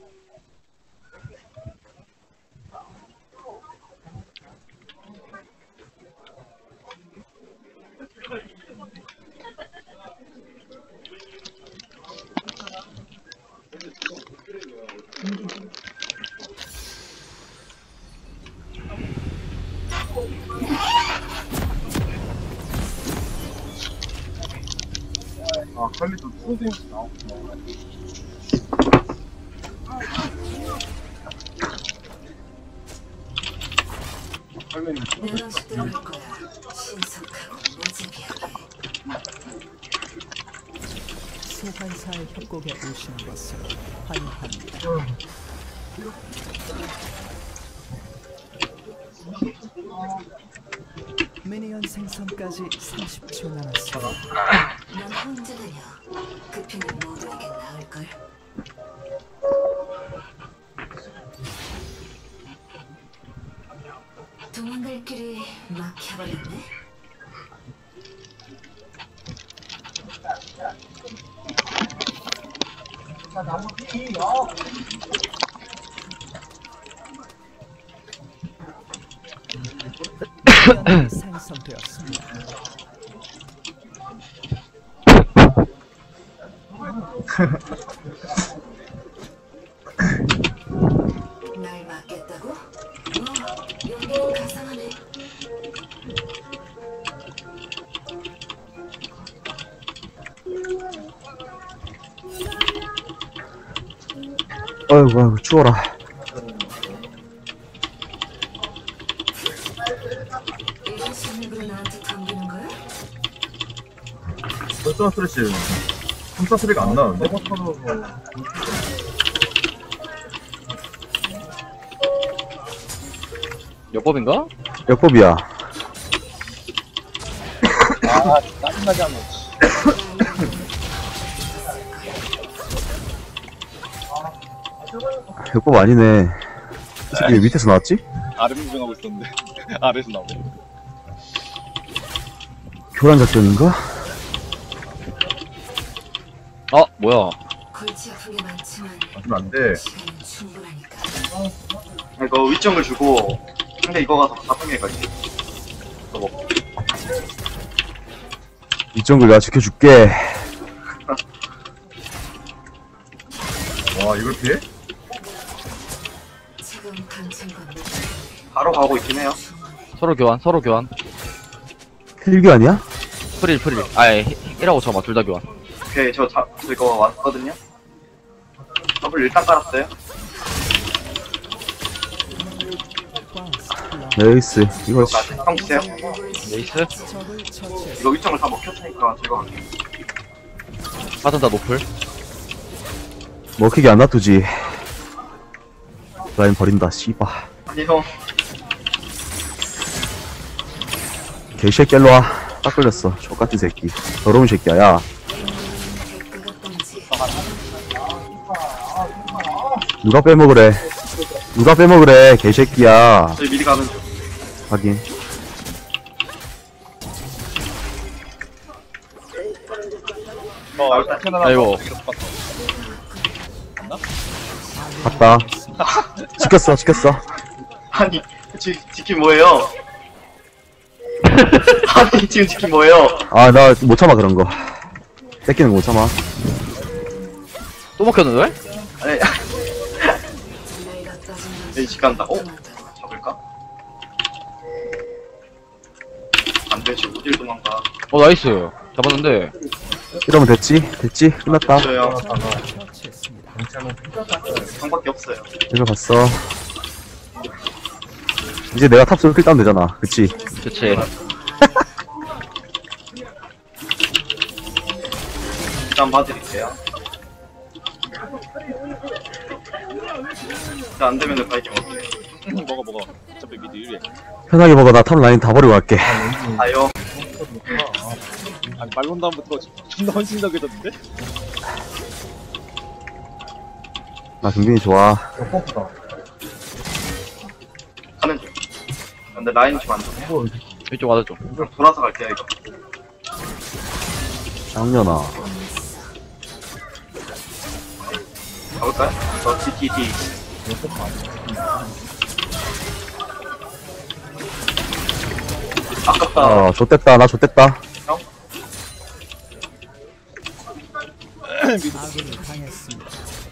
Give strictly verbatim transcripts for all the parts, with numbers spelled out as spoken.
아, 칼리도 프로데임스 나왔구나. 칼리는 내가 시도할 거야. 신속하고 무지개하게. 소환사의 협곡에 오신 것을 환영합니다. 미니언 생성까지 삼십 초 남았습니다. 넌 혼자다녀. 그 피는 모두에게 나을걸. 도망갈 길이 막혀버렸네. 미니언이 생성되었습니다. 날 막겠다고? 어, 여기는 가상하네. 어이구, 아이고, 추워라. 이런 식으로 나한테 덤비는 거야? 벌써 스트레치. 삼사 소리가 안 나는데? 여법인가? 역법이야. 아, 짜증나게 하면. 역법 아니네. 이 새끼 왜 밑에서 나왔지? 아래 무정하고 있었는데. 아래에서 나오네. 교란 작전인가? 어, 뭐야. 골치 아픈 게 많지만 맞으면 안 돼. 시간은 충분하니까. 이거 위점을 주고 근데 이거 가서 나쁜 게 가지. 이거 먹고. 이 정글 내가 지켜줄게. 와, 이걸 피해? 지금 강층과 바로 가고 있긴 해요. 서로 교환, 서로 교환. 힐교 아니야? 프릴, 프릴. 아예, 일하고 저마, 둘 다 교환. 오케이, 저, 자, 저 이거 왔거든요. 더블 일단 깔았어요. 네이스. 이거, 이거까지. 형 주세요. 레이스? 적을 처치했습니다. 이거 위점을 다 먹혔으니까 제가 갈게요. 바텀 다 노플. 먹히게 안 놔두지. 라인 버린다, 씨바. 아니, 형. 개새끼 일로와. 딱 걸렸어. 족같은 새끼. 더러운 새끼야, 야. 대가가 뻥지. 누가 빼먹으래. 누가 빼먹으래, 개새끼야. 저희 미리 가는 중. 하긴. 어, 일단 캐나다. 아이고. 갔다. 지켰어, 지켰어. 아니, 지, 지킨 뭐예요? 아니, 지금 지킨 뭐예요? 아, 나 못 참아, 그런 거. 뺏기는 거 못 참아. 또 먹혔는데? 아니, 내가 빠진 여기 집 간다. 어? 잡을까? 안 되지, 어딜 도망가. 어, 나이스. 잡았는데. 이러면 됐지? 됐지? 끝났다. 저요. 처치했습니다. 형밖에 없어요. 이거 봤어. 이제 내가 탑 솔킬 따면 되잖아. 그치? 그치. 일단 봐드릴게요. 일단 안 되면은 바이킹 먹을게요. 먹어, 먹어. 어차피 미드 일 위에. 편하게 먹어. 나 탑 라인 다 버리고 갈게. 아요. 아니, 말론 다음부터 존나 헌신적이던데? 나 경빈이 좋아. 가는 중. 근데 라인이 좀 안 좋네. 이쪽 와줘 좀. 그럼 돌아서 갈게요, 이거. 쌍년아. 가볼까요? 저 디디디. 아깝다. 아 좆됐다 나 좆됐다. 아군이 당했습니다.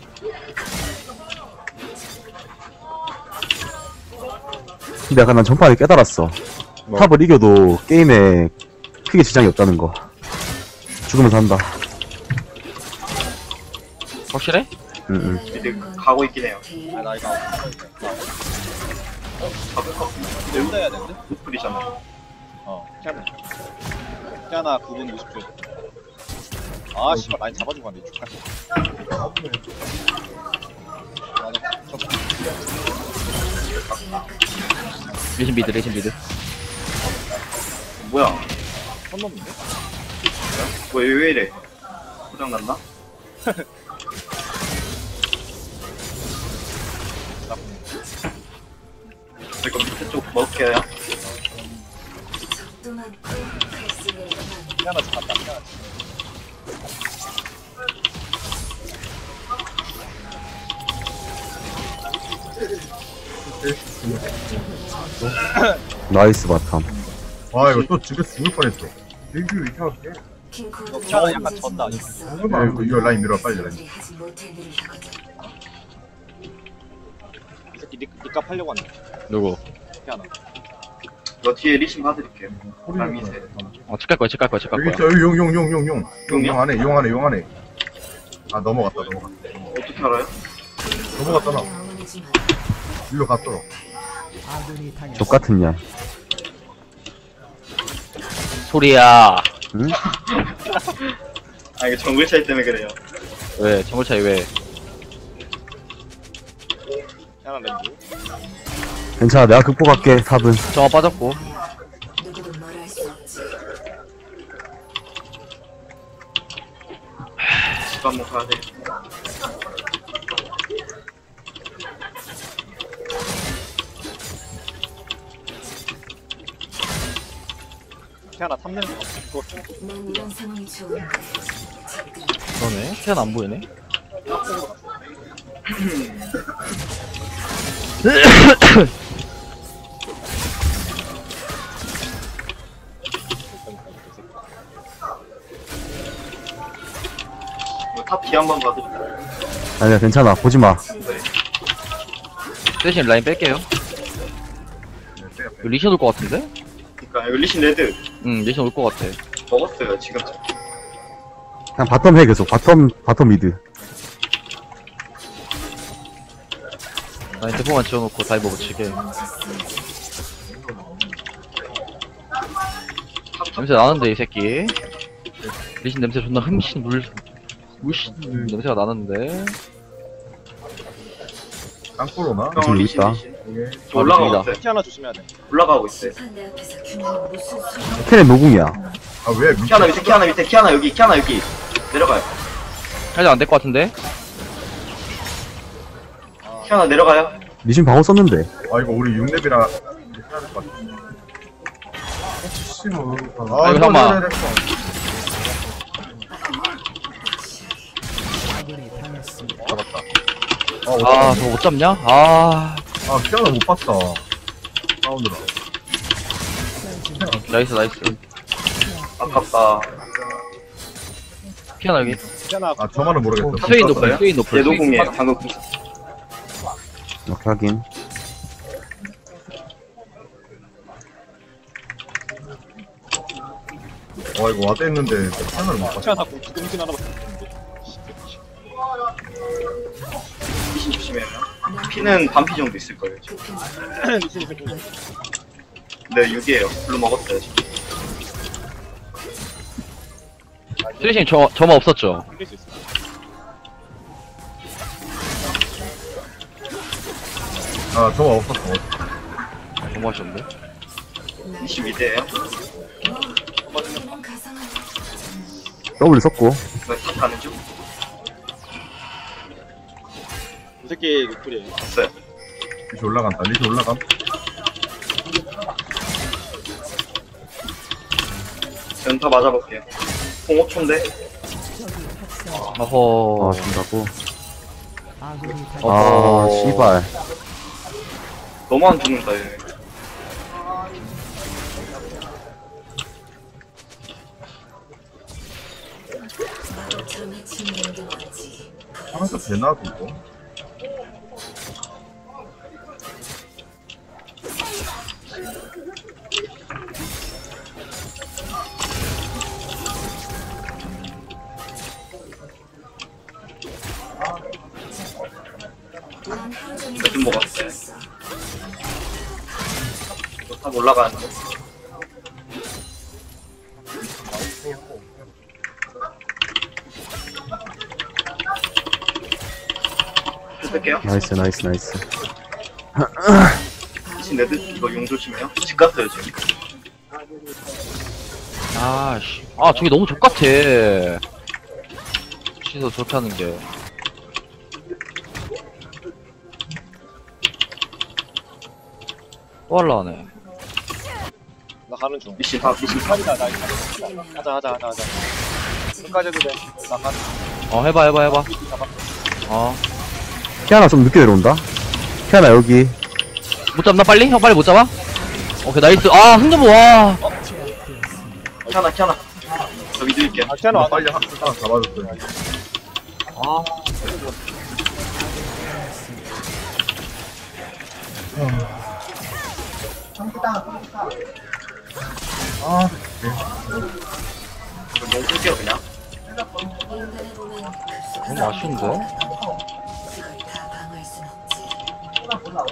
근데 약간 난 전판에 깨달았어. 뭐? 탑을 이겨도 게임에 크게 지장이 없다는 거. 죽으면 산다. 확실해? 응응. 미드 가고 있긴 해요. 아, 나 이거 가볼 거. 내보다 해야 되는데? 노플이잖아. 어, 키아나. 키아나 구 분 오십 초. 아, 씨발, 라인 잡아주고 왔네, 축하. 레신 미드, 레신 미드. 뭐야? 선 넘는데? 왜, 왜 이래? 고장났나? 저 이거 밑에 쪽 먹을게요. 적도 많고 갈수 있는 건 키아나 잡았다, 키아나. 나이스 바텀. 아 이거 또 집에서 죽을 뻔했어. 일규 이상하게. 킹코드가 키아나 약간 문제 졌다. 있어. 야, 이거, 이거 라인 밀어 빨리 라인. 우리 하지 못할 일을 하거든. 이 새끼 니, 니값 하려고 왔네. 누구? 키아나. 이거 뒤에 리신 봐드릴게요. 라미세. 어, 칠 갈 거야, 칠 갈 거야, 칠 갈 여기 거야. 있어 여기 용용용용용 용 용이요? 용 안에 용 안에 용 안에. 아 넘어갔다 넘어갔다. 어떻게 알아요? 넘어갔잖아. 영원하지 마. 일로 갔더라. 아군이 당했습니다. 족같은 년. 소리야. 응? 아 이게 정글 차이 때문에 그래요. 왜? 정글 차이 왜? 키아나 랜드. 괜찮아 내가 극복할게 탑은. 정화 빠졌고. 누구도 뭘 할 수 없지. 집 한번 가야 돼. 키아나 탐내는 거 그거 난 이런 상황이 좋은데. 지금 그러네. 키안 안 보이네. 이거 탑 뒤 한번 봐드릴게요. 아니야 괜찮아 보지마. 대신 라인 뺄게요. 이거 리신 올 것 같은데? 그니까 이거 리신 레드 응, 리신 올 것 같아. 먹었어요 지금. 그냥 바텀 해 계속. 바텀 바텀 미드. 라인 대포만 지어놓고 다이버 붙이게. 냄새 나는데, 이 새끼. 리신 냄새 존나 흠신 물, 물씬 냄새가 나는데. 땅굴 오나? 지금 여기 리신 있다. 리신. 이게 저 올라가고 아, 있어요. 키아나 조심해야 돼. 올라가고 있어요. 내 앞에서 규모는 무슨 소리야? 캐넨 노궁이야. 아왜 밑에 키아나 밑에 키아나 밑에 키아나 여기 키아나 여기 내려가요. 살짝 안 될 것 같은데? 키아나 내려가요. 리신 방어 썼는데. 아 이거 우리 육 렙이라 이렇게 해야 될 것 같아. 혹시 뭐. 아 아이고, 잠깐만. 아군이 당했습니다. 잡았다. 아, 아, 어떡하냐. 저거 못 잡냐? 아, 아 피아노 못 봤다. 사운드라. 나이스, 나이스. 아깝다. 피아나 여기. 키아나 아 저만은 모르겠어. 스웨인 높아요? 스웨인 높아요. 얘 노공이에요. 방금 궁. 이렇게 하긴. 와 이거 와드 했는데 피아노를 못 봤어. 키아나 구 금신 하나밖에 없는데. 리신 조심해요. 피는 반피 정도 있을 거예요. 지금. 리신이 새끼. 네 육이에요. 블루 먹었어요 지금. 스레신 저, 저만 없었죠? 이길 수 있어. 아 저거 없었어. 너무 하셨는데? 리신 미드에요. 그냥 가상한 더블 썼고. 이거 탑 가는 중. 이 새끼 노플이에요. 봤어요. 리시 올라간다. 리시 올라감. 연타 맞아볼게요. 공 오 초인데. 어허. 아 준다고. 아군이 당 아, 어. 씨발. 너무 안 죽는다 얘. 마법처럼 해치는 게 뭔지 하나도 되나 그거? 난 하루 종일 몇 분 먹었어? 있었어. 이거 탑 올라가는데. 쓸게요. 나이스, 나이스, 나이스. 대신 레드 이거 용 조심해요. 집 갔어요 지금. 아씨. 아, 저게 너무 족같아. 시서 저렇게 하는 게. 또 할라하네. 나 가는 중. 미신 다 미신 다. 칼이다 나 이거. 하자 하자 하자 하자. 끝까지 해도 돼. 나 가는 중. 어, 해봐, 해봐, 해봐. 잡아. 어. 키아나 좀 늦게 내려온다. 키아나 여기. 못 잡나, 빨리? 형, 빨리 못 잡아? 오케이, 나이스. 아, 흥점보, 와. 키아나 키아나. 저 미드 있게. 아 키아노 안 빨리 빨리. 한 하나 잡아줬어요. 아. 아, 이거 용 쓸게요 그냥. 인간을 보면 급속 너무 아쉬운데? 그걸 다 방어할 순 없지.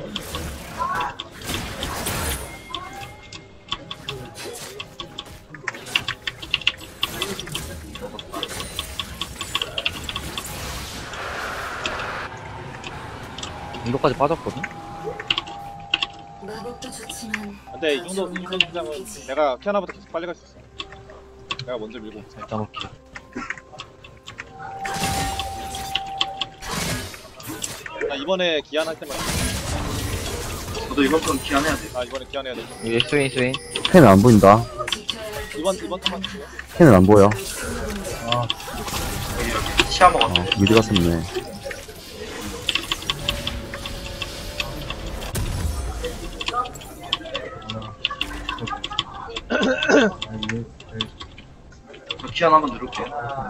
이거까지 빠졌거든? 마법도 좋지만 근데 이 정도 이 정도 긴장은 내가 키아나보다 계속 빨리 갈 수 있어. 내가 먼저 밀고. 일단 오케이. 나 이번에 기한 할 때만. 저도 이번 건 기한해야 돼. 나 이번에 기한 해야 돼. 이게 스웨인, 스웨인. 캔은 안 보인다. 지켜야 할 이번 이번 턴만. 캔은 안 보여. 여기 여기 치아 먹었어. 어, 미드 갔었네. 저 키안 한번 누를게요.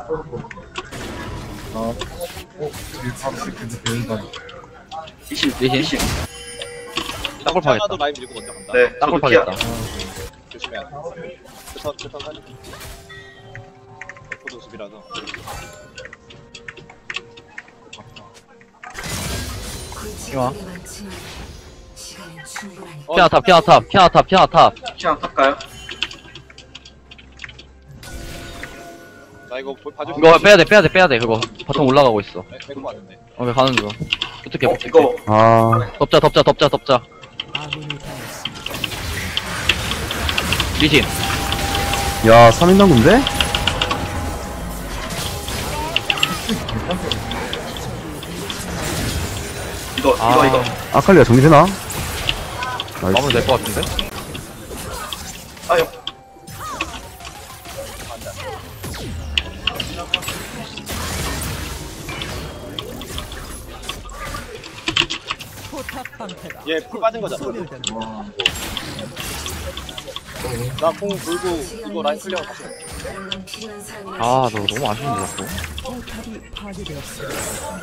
어, 일밥 시키는 배우가 미신 미신? 미신. 땅굴 파겠다. 키아나도 라인 밀고 먼저 간다. 네. 땅굴 저도 키아. 파겠다. 조심해야 돼. 그턴 그턴 하지. 포도 숲이라서. 골치가 게 많지만 시간은 충분하니까. 피아나 탑, 피아나 탑, 피아나 탑, 피아나 탑. 키안 탈까요? 나 이거 보- 봐줄 수 이거 있어? 빼야돼, 빼야돼, 빼야돼, 그거. 바텀 올라가고 있어. 네, 빼고 왔는데. 오케이, 가는 중. 어떻게, 어 어떻게. 이거 아, 덮자, 덮자, 덮자, 덮자. 아군이 당했습니다. 리신. 야, 삼 인 당구인데? 이거 아. 이거 이거. 아칼리가 정리되나? 마무리 나이스. 될 것 같은데? 아유. 포탑 방패가 얘 풀 빠진 거잖아. 소멸된다. 나공 돌고 이거 라인 클리어 다시. 해. 그런 건 필요한 사람이라 아, 너 너무 아쉬운데, 자꾸. 포탑이 파괴되었습니다.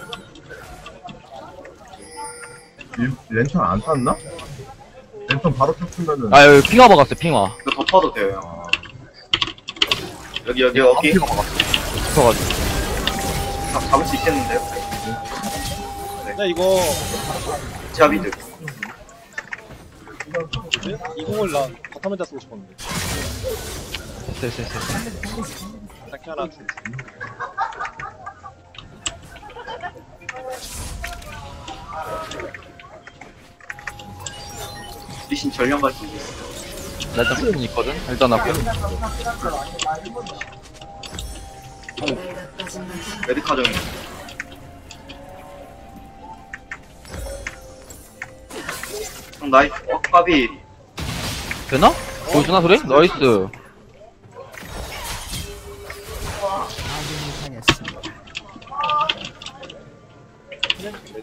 일- 랜턴 안 탔나? 랜턴 바로 켰으면은 아, 여기 핑화 박았어, 핑화. 이거 덮어도 돼요. 형. 여기 여기 여기. 붙어가지고. 다 잡을 수 있겠는데요? 근데 이거 제가 미드. 뭐지? 이 공을 나 바텀에다 쓰고 싶었는데. 됐어, 됐어, 됐어. 딱 하나 주. 미신 전령 갈수 있어. 나 일단 스킨 있거든? 일단 할게. 내가 빠진 건 메디카정이. 형 나이스. 어 까비. 되나? 보여주나, 소리? 나이스. 아군이 당했습니다.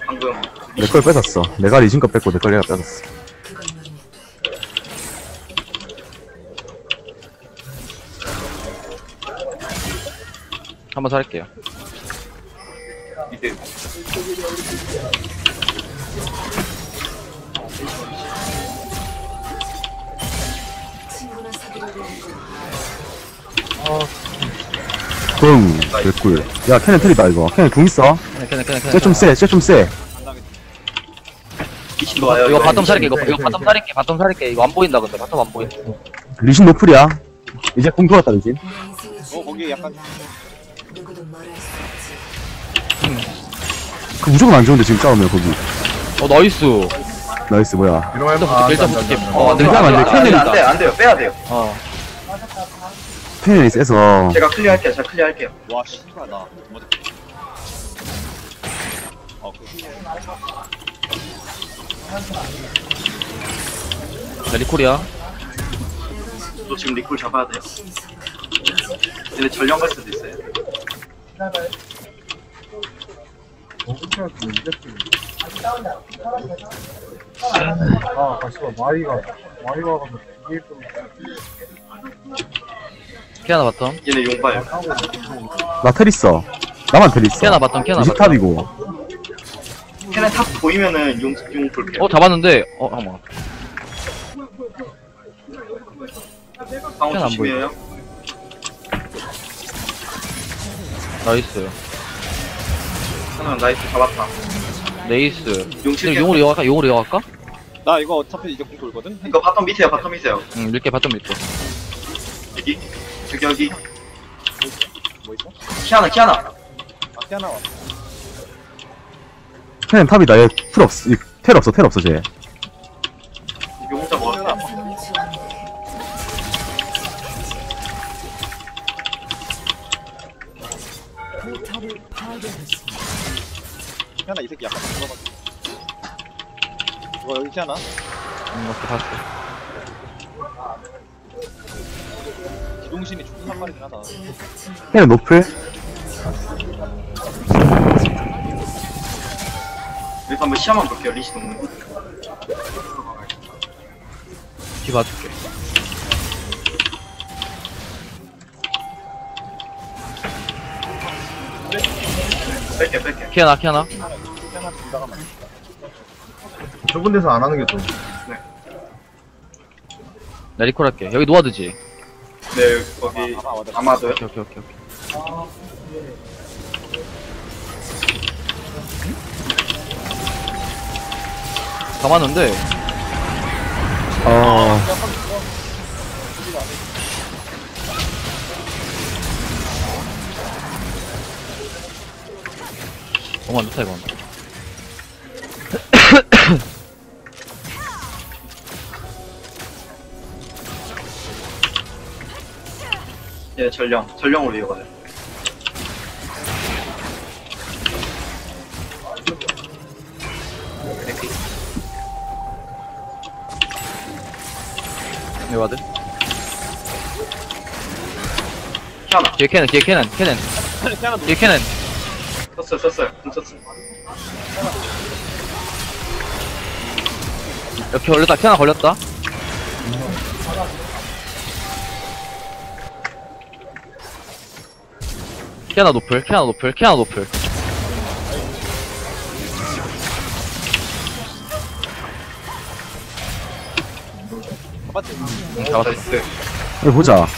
방금 내 걸 뺏었어. 내가 리신 거 뺏고 내 걸 내가 뺏었어. 그걸 노리면 한번 살릴게요. 이제 친구나 사귀려고 붕. 개꿀. 야, 캐넨 트리다, 이거. 캐넨 궁 있어. 그냥 그냥 그냥 쟤 좀 세, 쟤 좀 세. 미친도 와요. 이거 이거 바텀 살릴게. 이거 네, 이거 네, 바텀 네. 살릴게. 바텀 살릴게. 이거 안 보인다 근데 바텀 안 보인다. 리신 노플이야. 이제 궁 돌았다, 리신. 내 인생의 어, 거기 약간- 나야. 누구도 뭘 할 수 없지. 그 무조건 안 좋은데, 지금 싸우면, 거기. 어 나이스. 나이스, 뭐야. 이러면 일단 아, 붙을게. 일단 안 돼, 안 붙을게. 돼, 안 돼. 어, 안 돼. 일단 안 돼. 안 안 돼, 돼. 안 돼, 안 돼요. 빼야 돼요. 어. 캐넨이 세서. 제가 클리어할게요. 제가 클리어할게요. 와 씨발 나 뭐지? 어 그. 자 리콜이야. 또 지금 리콜 잡아야 돼요. 신성감. 얘네 전령 갈 수도 있어요. 어떻게 이제 아, 다시 봐. 마이가 마이가 가서 이게 좀 키아나 바텀. 얘네 용봐요. 나 텔 있어. 나만 텔 있어. 키아나 바텀. 키아나 리신 바텀. 탑이고. 걔네 탑 보이면은 용, 용 볼게요. 어 잡았는데. 어 잠깐만. 방어 안 조심해요. 나이스. 하나 나이스 잡았다. 네이스. 용 근데 칠게요. 용으로 이어갈까? 용으로 이어갈까? 나 이거 어차피 이제 공 돌거든. 이거 바텀 밑에요. 바텀 밑에요. 응 밀게 바텀 밀게. 여기. 여기 여기. 뭐 있어? 키아나 키아나. 아 피아나 와. 캐넨 탑이다. 얘 풀 없어. 이, 텔 없어, 텔 없어, 쟤. 용 혼자 먹을게요. 상을 주었는데 포탑을 파괴했습니다. 피아나 이 새끼 약간 들어가지고. 이거 여기 피아나? 응 오케이 봤어. 기동신이 존나 빠르긴 하다. 캐넨 노플. 여기서 한번 시야만 볼게요. 리시 동물. 뒤 봐줄게. 뺄게 뺄게. 키아나 키아나. 피아나 둘다가 많이. 좁은 데서 안 하는 게 좀. 나 리콜 할게. 여기 노아드지. 네 거기 아마 와다. 아마도요. 오케이 오케이 오케이. 오케이. 잡았는데. 어, 너무 안 좋다 이건. 예 전령 전령으로 이어가요. 네 와드. 키아나. 뒤에 캐넨 뒤에 캐넨 캐넨. 피아나 뒤에 캐넨. 썼어요 썼어요. 공 썼어요. 이렇게 걸렸다. 키아나 걸렸다. 키아나 노플 키아나 노플 키아나 노플. 잡았지? 응 잡았어. 나이스. 여기 보자.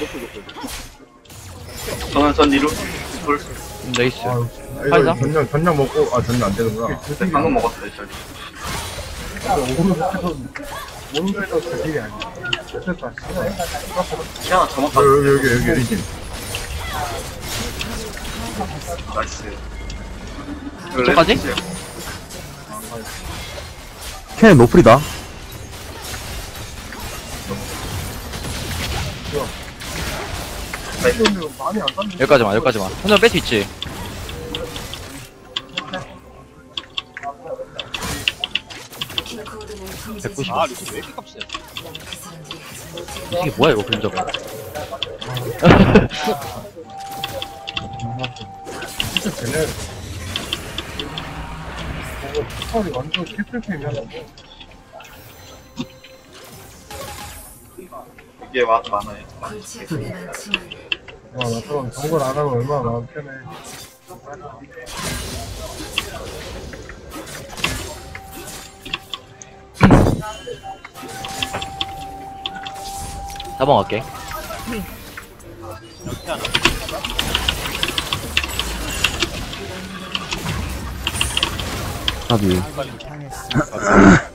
저는 전 리로 돌. 음, 네이스. 아, 파이자? 이거 전령 전령 먹고 아 전령 안 되는구나. 네, 방금 먹었어요 저. 오른쪽에서 오른쪽에서 그 길이 아니야. 됐다. 키아나 저만 아, 여기 여기 여기 여기. 나이스. 저까지? 캐넨 노플이다. 나이스. 많이 안 땄는데. 여기까지만 여기까지만. 혼자 뺄 수 있지. 킹코드는 백구십. 아 리스 왜 이렇게 값이야? 그 사람들이 하지 못해. 이게 뭐야 이거 그림자가. 진짜 쟤네 이거 털이 완전 캐틀템이야. 이게 와 많아요. 골치 아프게 많지만 와, 나처럼 정글 안 하면 얼마나 마음 편해. 사번 갈게. 답이. 당했습니다.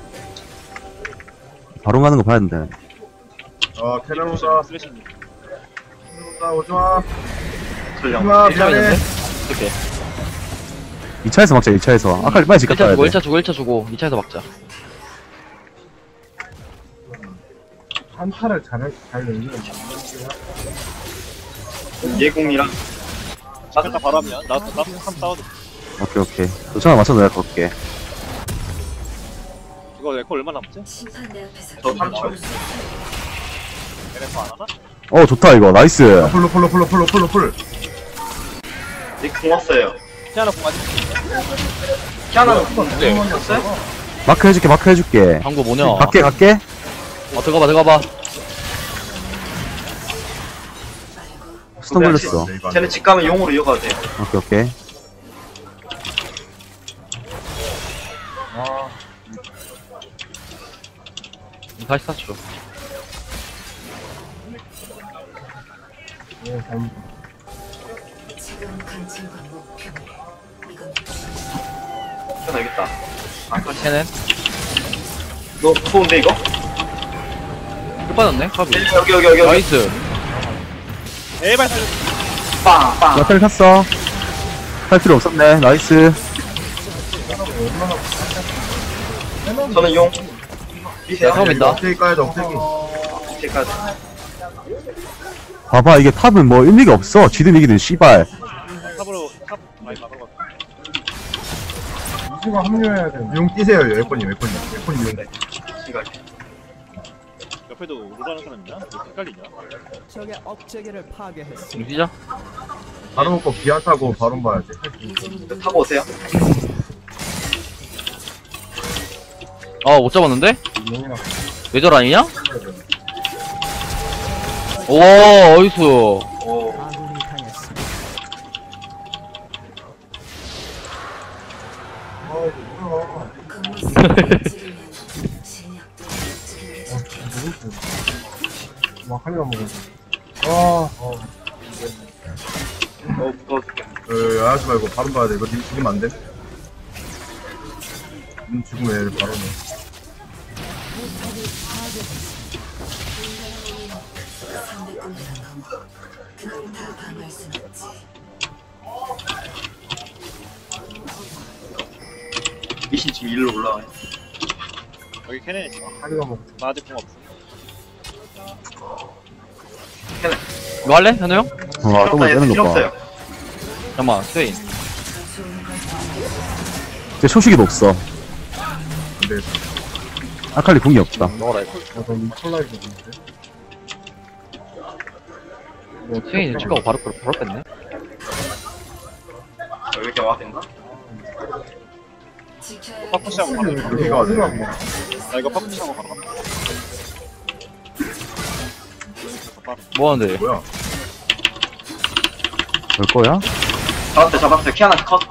바로 가는 거 봐야 된다. 아, 캐나무다. 쓰레쉬. 캐나무다, 오지마. 전령. 오지마, 일 차 미안해. 있는데? 이렇게. 이 차에서 막자, 이 차에서. 아까 빨리 집 일 차 갔다 주고, 와야 일 차 돼. 주고, 일 차 주고, 이 차에서 막자. 한타를 잘, 잘 넘기는 예공이랑 나도 바로 하면 나도 나도 한 싸워도 오케이, 오케이. 도착을 맞춰서 내가 걸게. 이거 에코 얼마 남았지? 심판대 앞에서 저 삼 초. 에코 안 하나? 어, 좋다, 이거. 나이스. 풀로, 풀로, 풀로, 풀로, 풀로, 풀. 닉공 왔어요. 피아노 공간이 키아나는 네. 왔어요? 마크 해줄게, 마크 해줄게. 방구 뭐냐? 갈게, 갈게. 어, 들어가봐, 들어가봐. 스턴 걸렸어. 쟤네 집 가면 용으로 이어가도 돼요. 오케이, 오케이. 아, 사십사 초. 네, 잘못. 지금 관심과 목표는 이건 키아나 알겠다. 안 꺼지. 쟤는 너 무서운데 이거? 끝 빠졌네, 카비. 여기 여기 여기 여기. 나이스. 에발 살려. 빵 빵. 야탈 탔어. 할 필요 없었네. 나이스. 저는 용. 야, 처음 있다. 억제기 까야죠, 억제기. 제가 봐봐, 이게 탑은 뭐 의미가 없어. 지든 이기든 씨발. 탑으로 탑 많이 막아봐. 이수가 합류해야 돼. 용 뛰세요, 에코님, 에코님. 에코님 용. 시간. 옆에도 우르라는 사람 있냐? 왜 헷갈리냐? 적의 억제기를 파괴했습니다. 지금 뛰자. 바로 먹고 기아 타고 바로 봐야 돼. 이제는 타고 오세요. 아, 못 잡았는데? 용이나. 뇌절 아니냐? 오, 어이수. 오. 아군이 당했습니다. 아, 이거 뭐야. 겉모습을 찍으면 실력도 찍은 게 좋겠다. 막 하려고 먹어. 아, 어. 어 무서워 죽겠네. 에, 하지 말고 바로 봐야 돼. 이거 님 죽으면 안 돼. 님 죽으면 얘를 바로 넣어. 삼백공이나 넘어. 그걸 다 방어할 순 없지. 미신 지금 일로 올라와요. 여기 캐넨 있어. 하려고 먹어. 나 아직 공 없어. 이거 할래? 현우 형? 와, 똥을 필요 빼는 거 봐. 없어요. 잠깐만, 스웨인. 좋은 걸 쟤 초식이도 없어. 안 되겠다. 아칼리 궁이 없다. 먹어라, 이거. 아, 넌 콜라이브 있는데? 스웨인 축구하고 바로, 바로, 바로 뺐네. 여기 이렇게 와야 된다. 지켜야 할 파쿠시하고 바로 가. 여기가 어디야? 나 이거 파쿠시하고 바로 가. 뭐 하는데? 뭐야? 볼 거야? 잡았어요 잡았어요. 키아나 컷.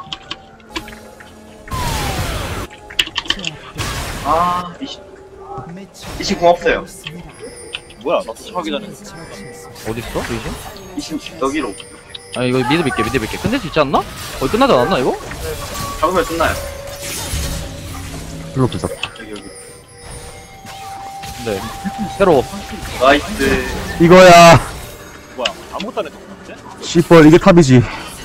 아 미신 미신 공 없어요. 뭐야? 나 도착하기 전에. 어딨어? 리신? 미신 여기로. 아니, 이거 미드 밀게, 미드 밀게. 끝낼 수 있지 않나? 거의 끝나지 않았나, 이거? 잡으면 끝나요. 플로 부석. 여기 여기. 네. 새로. 나이스. 이거야. 뭐야? 아무것도 안 했어. 근데? 씨뻘, 이게 탑이지.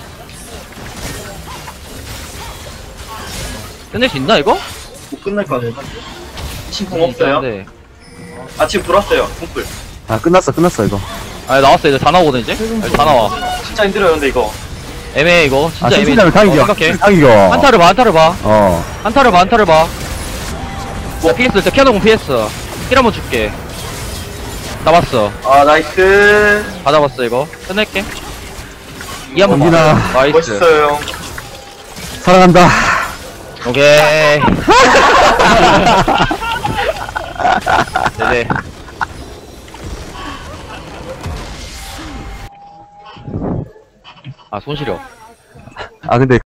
끝낼 수 있나, 이거? 못 끝날 거 같아. 미신 공 없어요. 네. 아 지금 들어왔어요. 공풀. 아, 끝났어, 끝났어, 이거. 아, 나왔어. 이제 다 나오거든, 이제? 이제 다 나와. 진짜 힘들어요 근데 이거. 애매해, 이거. 아, 진짜 애매해. 신신하면 탕이겨. 어, 생각해. 탕이겨. 한타를 봐, 한타를 봐. 어. 한타를 봐, 한타를 봐. 뭐, 피했어. 저 캐논 피했어. 힐 한번 줄게. 잡았어. 아 나이스. 다 잡았어, 이거. 끝낼게. 이 한번 원빈아. 봐. 나이스. 멋있어요. 사랑한다. 오케이. 네네. 아, 손시려. 아 근데